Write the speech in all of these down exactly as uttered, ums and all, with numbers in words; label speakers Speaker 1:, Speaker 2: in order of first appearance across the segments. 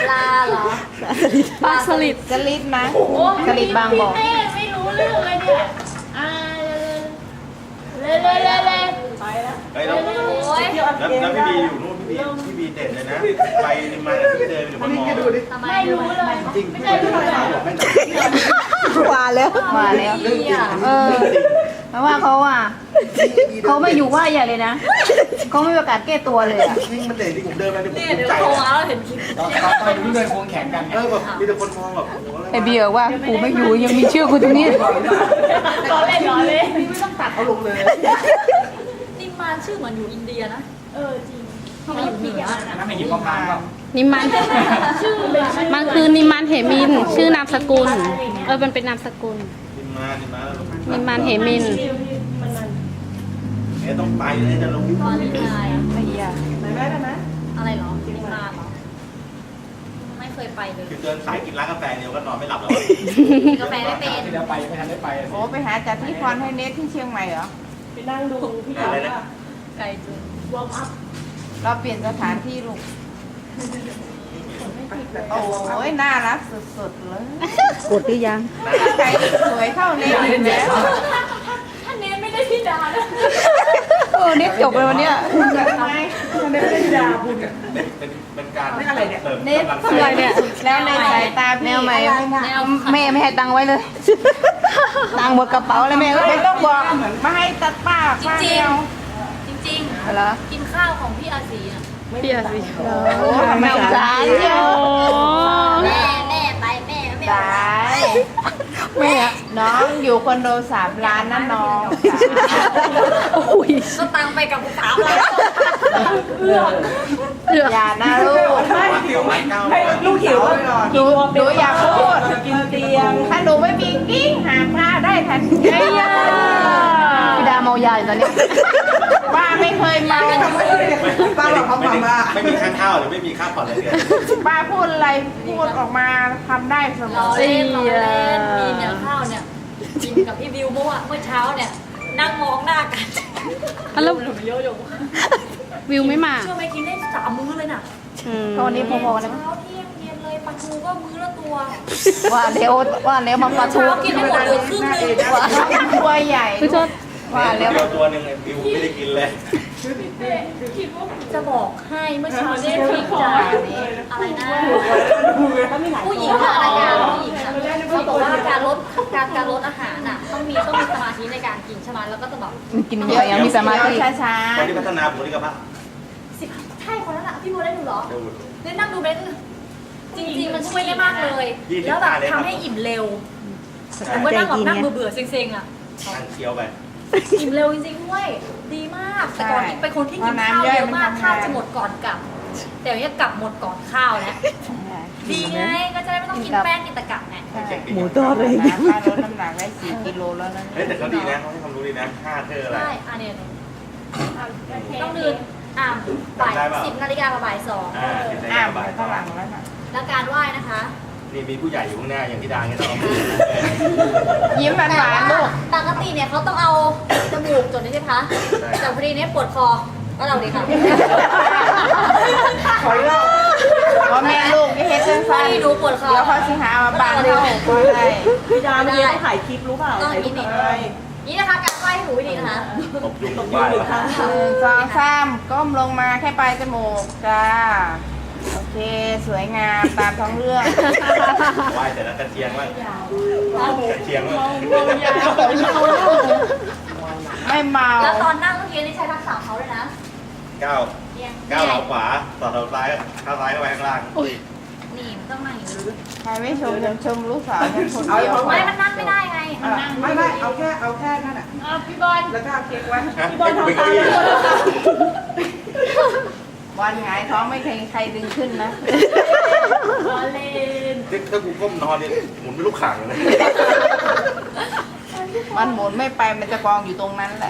Speaker 1: ลาเหรอ
Speaker 2: ปลาสลิด
Speaker 3: สลิดนะ
Speaker 1: โอ้
Speaker 3: สลิดบางบ่อ
Speaker 1: พี่เต้ไม่รู้เรื่องเลยเนี่ยอ่าเร็วเร็วเร็วเร็ว
Speaker 4: ไปแล้ว
Speaker 5: เฮ้ยแล้ว
Speaker 1: โอ้ย
Speaker 4: เที่ยวอัพ
Speaker 5: แล้ว
Speaker 4: เกม
Speaker 5: แล้วพี่
Speaker 4: ได้
Speaker 5: บีอยู่นู่นพี่บีพี่บีเด่นเลยนะไปมาพี่เดินอยู่บนมอ
Speaker 1: ทำไมไม่รู้เลย
Speaker 5: จริงไม่ใช่พี่เลย
Speaker 3: มาแล้วมาแล้ว
Speaker 2: เออเพราะว่าเขาอ่ะเขาไม่อยู่ว่าใหญ่เลยนะเขาไม่มีโอกาสแก้ตัวเลยอ่ะ
Speaker 5: นี่มันเด่นที่ผมเดินมาเนี่ยผม
Speaker 1: เนี่ย
Speaker 5: ภู
Speaker 1: เดี๋ยว
Speaker 5: มิใจ
Speaker 1: โทร
Speaker 5: นะ
Speaker 1: มาแล้วเห็นคลิป
Speaker 6: ตอนตอนตอนอยู่เดินควงแขนกัน
Speaker 5: เออแบบมีแต่คนมองแบบโอ้โหอะไร
Speaker 2: ไอเบียร์ว่ากูไม่อยู่ยังมีชื่อกูตรงนี้
Speaker 1: รอเล่นรอเล่น
Speaker 4: ไม่ต้องตัดเอาลงเลย
Speaker 1: นิมมานชื่อเหมือนอยู่อินเดียนะ เออจริงเขาอยู่เหนือ
Speaker 6: นั่นไม่หยิบมะพร้าวเปล่า
Speaker 2: นิมันมันคือนิมันเหมิน ชื่อนามสกุล เออมันเป็นนามสกุล
Speaker 5: นิมมานิมมาแล้ว
Speaker 2: นิมันเหมิน
Speaker 5: เอ๊ะต้องไปเลยจะลงที่
Speaker 1: ตอนนี้นาย
Speaker 3: ไอ้ยา
Speaker 4: ไหนแม่ได้ไหม
Speaker 1: อะไรเหรอนิมมานเหรอไม่เคยไปเลย
Speaker 5: คือเดินสายกินร้านกาแฟเดียวก็นอนไม่หลับแล้ว
Speaker 1: กินกาแฟไม่เป็น
Speaker 6: ที่เราไปไม่ทันได้ไป
Speaker 3: โอ้ไปหาจัดที่พรให้เนทที่เชียงใหม่เหรอ
Speaker 4: ไปนั่งดูพี่ยาว่า
Speaker 1: ไกลจุง
Speaker 4: วอร์มอัพ
Speaker 3: เราเปลี่ยนสถานที่ลูกโอ้ยน่ารักสุดๆเลย
Speaker 2: กดหรือยัง
Speaker 3: ใครสวยเท่าเนทอีกแล้ว
Speaker 1: ท่านเน้นไม่ได้พี่ดานะ
Speaker 2: เออเนี่ยจบเลยวันเนี้ย
Speaker 4: ทำไมมันไม่ได้ด่าบุญ
Speaker 5: เป็นเป็นเป็นการ
Speaker 4: ไม่อะไรเนี่ย
Speaker 5: เสริม
Speaker 3: เนท
Speaker 5: กำลัง
Speaker 3: ส
Speaker 5: ใจ
Speaker 3: วยเนี่ยแล้วในสายตาพี่
Speaker 2: แนวใหม่
Speaker 1: แนว
Speaker 2: แม่ไม่ให้ตังค์ไว้เลย ตังค์หมดกระเป๋าเลยแม่ก็
Speaker 3: ไม่ต้องบอกมาให้ตัดป้าป้าเดียว
Speaker 1: จริง
Speaker 2: อะไร
Speaker 1: ๆ กินข้าวของพี่อาศีอ่ะ
Speaker 2: พี่อาสิ
Speaker 3: โอ้ทำไม
Speaker 2: สงสารโย
Speaker 1: แม่แม่ไปแม่แม่
Speaker 3: สาย
Speaker 2: แม่อะ
Speaker 3: น้องอยู่คอนโดสามล้านนะน้อง
Speaker 2: อุ้ย
Speaker 1: ก็ตังไปกับสามล้าน
Speaker 2: เลือด
Speaker 3: อย่านะลูก
Speaker 4: ไม่
Speaker 5: หิวเก้า
Speaker 4: ให้ลูกหิว
Speaker 3: หนูหนูอย่าพูด
Speaker 4: กินเตียง
Speaker 3: ถ้าหนูไม่มีกิ้งหาผ้าได้ทันที
Speaker 2: ไอ้ยาพี่ดาเมายาอยู่ตอนนี้
Speaker 3: ป้าไม่เคยเมา
Speaker 4: ป้าบอกเขาบอกว่า
Speaker 5: ไม่มีค่าข้าวหรือไม่มีค่าผ่อนอะไรเลย
Speaker 3: ป้าพูดอะไรพูดออกมาทำได้เสม
Speaker 1: รอ
Speaker 3: อ
Speaker 1: เล่นรอเล่นมีเนี่ยข้าวเนี่ยกินกับพี่วิวเมื่อวานเมื่อเช้าเนี่ยนั่งมองหน้ากัน
Speaker 2: แล้ว
Speaker 1: หนูเยอะอยู่
Speaker 2: วิวไม่มา
Speaker 1: เชื่อไหมกินได้สามมื้อเลยน่ะ
Speaker 2: ตอนนี้พอๆกัน
Speaker 1: เช้าเที่ยงเย็นเลยปลาทูก็มื้อละตัว
Speaker 2: ว่าเดี๋ยวว่าแล้วมาปลาทู
Speaker 1: เช้ากินให้หมดเหลือครึ่งนึง
Speaker 3: ตัวใหญ่
Speaker 2: พี่โทษ
Speaker 5: ว่าแล้วตัวหนึ่งบิวไม่ได้กินเลย
Speaker 1: จะบอกให้เมื่อเช้าได้พริกจ่าอะไรนะผู้หญิงอะอะไรกันผู้หญิงอะเขาบอกว่าการลดการการลดอาหารน่ะต้องมีต้องมีสมาธิในการกินใช่ไหมแล้วก็จะแบบ
Speaker 2: กินเยอะยังมีสมาธิ
Speaker 3: ช้า
Speaker 5: คนที่พัฒนาบุคลิกภาพ
Speaker 1: สิบใช่คนนั้นอะพี่โมได้ดูเหรอ
Speaker 5: เร็ว
Speaker 1: เล่นนั่งดูเบนจริงๆมันช่วยได้มากเลย
Speaker 5: ยี่สิบ
Speaker 1: แล้วแบบ
Speaker 5: ห้าเลยครับ
Speaker 1: ทำให้อิ่มเร็วผมก็นั่งแบบนั่งเบื่อๆเซ็งๆอะ
Speaker 5: นั่งเคี้ยวไป
Speaker 1: อิ่มเร็วจริงๆด้วยดีมากแต่ก่อนนี่เป็นคนที่กินข้าวเยอะมากข้าวจะหมดก่อนกลับ แต่เนี้ยกลับหมดก่อนข้าวแล้วดีไงก็จะได้ไม่ต้องกินแป้งกินแตะกลับไง
Speaker 3: หมูทอดเลยป้าลดน้ำหนักได้สี่กิโลแล้วนะ
Speaker 5: เฮ้ยแต่เขาดีนะเขาให้ความรู้ดีนะห้าเธออะไร
Speaker 1: ใช่อันเนี้ยต้องดื่นอ่าบ่ายสิบนาฬิกากับบ่ายสอง
Speaker 5: อ่ากินได้
Speaker 3: อ้าม
Speaker 5: บ่าย
Speaker 3: ข้างหลังแล้วค่ะ
Speaker 1: แล้วการไหว้นะคะ
Speaker 5: นี่มีผู้ใหญ่อยู่ข้างหน้าอย่างที่ดาเงี้ยต้อง
Speaker 3: ยิ้มหวานหวานลูก
Speaker 1: ปกติเนี่ยเขาต้องเอาจมูกจดนี่ใช่ไหมคะแต่พอดีเนี่ยปวดคอก็เราดีค่ะ
Speaker 3: ขอเล่าพอแม่ลูกที่เฮ็ดสั้
Speaker 1: พอน ดี
Speaker 3: ๆ
Speaker 1: หนูปวดคอ
Speaker 3: เดี๋ยวเขาสิหามาบางเข้าก็ได้
Speaker 4: พี่ดาเมื่อกี้เขาถ่ายคลิปรู้เปล่าถ่ายรูปอะไร
Speaker 1: นี่นะคะการไหว้ให้หนูวิธีนะคะ
Speaker 5: ตบยุงตบบ้าน
Speaker 3: หนึ่งสองสามก้มลงมาแค่ปลายจมูกจ้าโอเคสวยงามตามท้องเรื่อง
Speaker 5: ไหว้แต่ละกระเทียงว่างกระเทียงว่าง
Speaker 3: ไม่เมา
Speaker 1: แล้วตอนนั่งเมื่อกี้นี่ใช้ทักษะเขาเลยนะ
Speaker 5: ก้าวก้าวเท้าขวาต่อเท้าซ้ายเท้าซ้ายเข้าไปข้างล่าง
Speaker 1: นี่มันต้องนั่งอย่างนี้
Speaker 3: ใครไม่ชมยังชมลูกสาวยังคนเดียว
Speaker 1: ไม่มันนั่งไม่ได้ไงมันนั่ง
Speaker 4: ไม่ไม่เอาแค่เอาแค่นั่นอ่ะ
Speaker 1: อ่ะพี่บอล
Speaker 4: แล้วก็เอาเค้กไว้
Speaker 5: พี่บอลทำตามเลย
Speaker 3: วันหงายท้องไม่เคยใครดึงขึ้นนะ
Speaker 1: บอลเล่น
Speaker 5: ถ้ากูก้มนอนเนี่ยหมุนไม่ลูกข่างเลย
Speaker 3: มันหมุนไม่ไปมันจะกองอยู่ตรงนั้นแหละ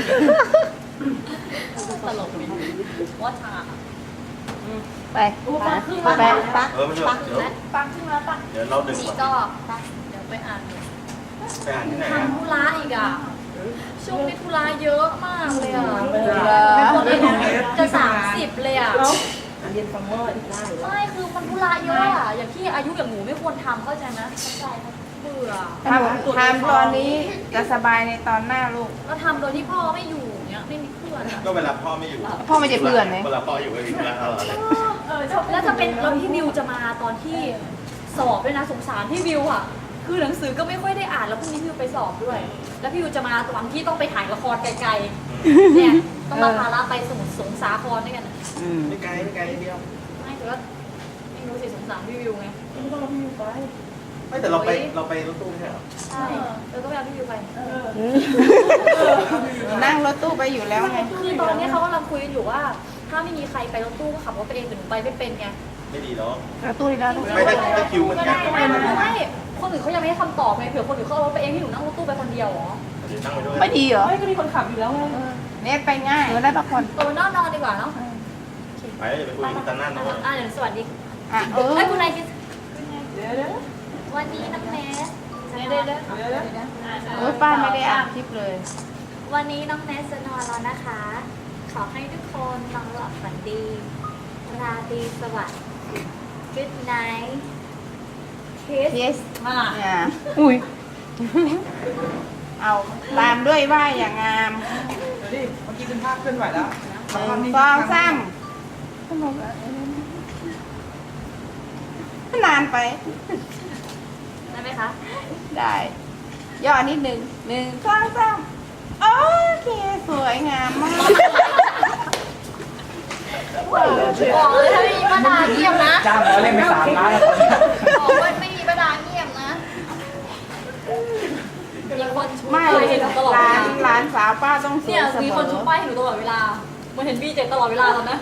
Speaker 1: ตลกไหมว่าทาง
Speaker 2: ไป
Speaker 1: ไป
Speaker 2: ไป
Speaker 1: ปัก
Speaker 5: เออไม่ใช่เดี๋ยว
Speaker 1: ปักขึ้นแล้วปัก
Speaker 5: เดี๋ยวเราดึง
Speaker 1: นี่
Speaker 5: ก่อน
Speaker 1: ก็เดี๋ยวไปอ่าน
Speaker 5: ไปอ่านที่ไหนอ่ะ
Speaker 1: ทำธุระอีกอ่ะช่วงนี้ธุระเยอะมากเลยอ่ะ
Speaker 3: เหรอ
Speaker 1: จะสามสิบเลยอ่ะ
Speaker 4: เรียนซัมเมอร์อีกหน้าหรือว่า
Speaker 1: ไม่คือมันธุระเยอะอะอย่างที่อายุอย่างหนูไม่ควรทำเข้าใจไหมเข้าใจไหมเบื่อ
Speaker 3: ทำทำตอนนี้จะสบายในตอนหน้าลูก
Speaker 1: แล้วทำโดยที่พ่อไม่อยู่เนี้ยไม่มีเพื่อนอะ
Speaker 5: ก็เวลาพ่อไม่อยู่
Speaker 2: พ่อไม่จะเพื่อนไหม
Speaker 5: เวลาพ่ออยู่ก็มีเวลาตลอดเลย
Speaker 1: เออแล้วจะเป็นแล้วพี่วิวจะมาตอนที่สอบด้วยนะสงสารพี่วิวอะคือหนังสือก็ไม่ค่อยได้อ่านแล้วพรุ่งนี้พี่วิวไปสอบด้วย แล้วพี่วิวจะมาตอนที่ต้องไปถ่ายละครไกลๆเนี่ยต้องมาพาราไปสมุทรสงสาครด้วยกันอะ
Speaker 6: ไม่ไกลไม่ไกลนิดเดียว
Speaker 1: ไม่แต่ว่าไม่รู้สิสงสารพี่วิวไง
Speaker 4: ไม่ต้องเอาพี่ไป
Speaker 5: ไม่แต่เราไปเราไปรถตู้ไม่ใช่เหรอ
Speaker 1: ใช่เออก็ไปเอาพี่วิวไป
Speaker 3: นั่งรถตู้ไปอยู่แล้วไง
Speaker 1: คือตอนนี้เขากำลังคุยกันอยู่ว่า ถ้าไม่มีใครไปรถตู้ก็ขับรถไปเองแต่หนูไปไม่เป็นไง
Speaker 5: ไม่ดีเนาะ
Speaker 2: กระตุ้นอีกแล้วลูก
Speaker 5: ไม่ได้ได้คิวเหมือนกัน
Speaker 1: ไม่ไม่ไม่ไม่คนอื่นเขายังไม่ได้คำตอบไงเผื่อคนอื่นเขาเอารถไปเองที่หนูนั่งรถตู้ไปคนเดียวเหรอ
Speaker 5: เดี๋ยวนั่งไปด้วย
Speaker 2: ไม่ดีเหรอ
Speaker 4: ไม่ก็มีคนขับอยู่แล้วไง
Speaker 3: เน็ตไปง่าย
Speaker 2: หนูได้พักผ่อน
Speaker 1: ตัวนอนนอนดีกว่าเนาะ
Speaker 5: ไปแล้วอย่าไปคุยกันนั่นนะ
Speaker 1: อ่ะเดี๋ยวสวัสดี
Speaker 3: อ่ะเออ
Speaker 1: ไอ้คุณนายคิด
Speaker 4: เดี๋ยวเดี๋ยว
Speaker 1: วันนี้น้องเนสเดี๋ยวเดี๋ยวเดี๋ยว
Speaker 4: เดี๋ยวเดี๋ยว
Speaker 3: โอ้ยป้าไม่ได้อ่านคลิปเลย
Speaker 1: วันนี้น้องเนสจะนอนแล้วนะคะ ขอให้ทุกคนนอนหลับฝันดี ราตรีสวัสดิ์ Good night kiss
Speaker 3: เยส
Speaker 1: มา
Speaker 3: เนี่ย
Speaker 2: อุ้ย
Speaker 3: เอาตามด้วยว่าอย่างงาม
Speaker 4: เดี๋ยวดิเมื่อกี้เป็นภาพเคลื่อนไหวแล้ว
Speaker 3: หนึ่งสองสามนานไป
Speaker 1: ได้ไหมคะ
Speaker 3: ได้ ย่อนิดหนึ่งหนึ่งสองสามโอเค สวยงามมาก
Speaker 1: บอกเลยถ้าไม่มีป้าดาเงียบนะ
Speaker 6: จ้างแล้วเล่นไปสามล้านแล้วคนเนี้ย
Speaker 1: บอกว่าไม่มีป้าดาเงียบนะมีคนชู
Speaker 3: ไม่
Speaker 1: ป้ายให้หนูตลอดเว
Speaker 3: ร้า
Speaker 1: ลาน
Speaker 3: ร้านสาวป้าต้องสว
Speaker 1: เนี่ย ย
Speaker 3: เส
Speaker 1: มี
Speaker 3: ม
Speaker 1: คนชู
Speaker 3: อ
Speaker 1: ป้ายให้หนูตลอดเวลาเหมันเห็นบีเจ็ตลอดเวลาแล้วนะ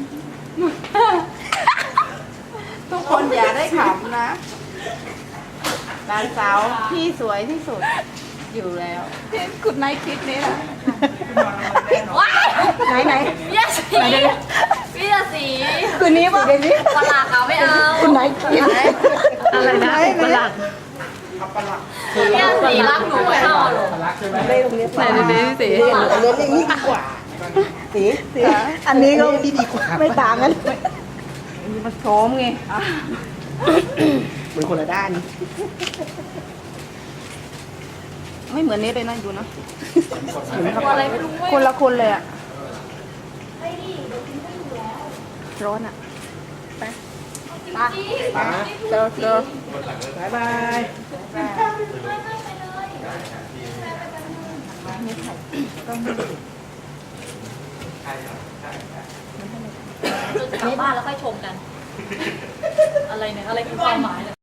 Speaker 3: ทุกคนอย่าได้ขำนะร้านสาวที่สวยที่สุดอยู่แล้ว
Speaker 2: กุดไนท์คลิปนี้นะ
Speaker 1: ว้าย
Speaker 2: ไหนไหน
Speaker 1: พี่ยาสีพี่ยาสี
Speaker 2: คืนนี้ป่ะคืนนี้
Speaker 1: ปลาขาวไม่เอา
Speaker 2: กุดไนท์คลิปอะไรนะประหลาด
Speaker 1: พี่ยาสีรักหนูไม่เอาหรอก
Speaker 6: รักใช่ไหม
Speaker 4: ได้ตรงนี้
Speaker 2: ไหนดูดิสิ
Speaker 4: เรียนเรียนอย่างนี้ดีกว่าสีสีอันนี้ก็ดีดีกว่าไม่ต่างกัน
Speaker 3: มีมาโชมไง
Speaker 4: เหมือนคนละด้าน
Speaker 2: ไม่เหมือนนี้เลยนะดูนะ
Speaker 1: ตัวอะไรไม่รู้เว้ย
Speaker 2: คนละคนเลยอะ
Speaker 1: ไปดิเดี๋ยวกินไม่อยู่แล้ว
Speaker 2: ร้อนอะ
Speaker 1: ไป
Speaker 6: ป๋า
Speaker 2: เจอเจอ
Speaker 4: บายบาย
Speaker 1: ไม่ไม่ไปเลยจนจะกลับบ้านแล้วค่อยชมกัน อะไรเนี่ย อะไรคือความหมายเนี่ย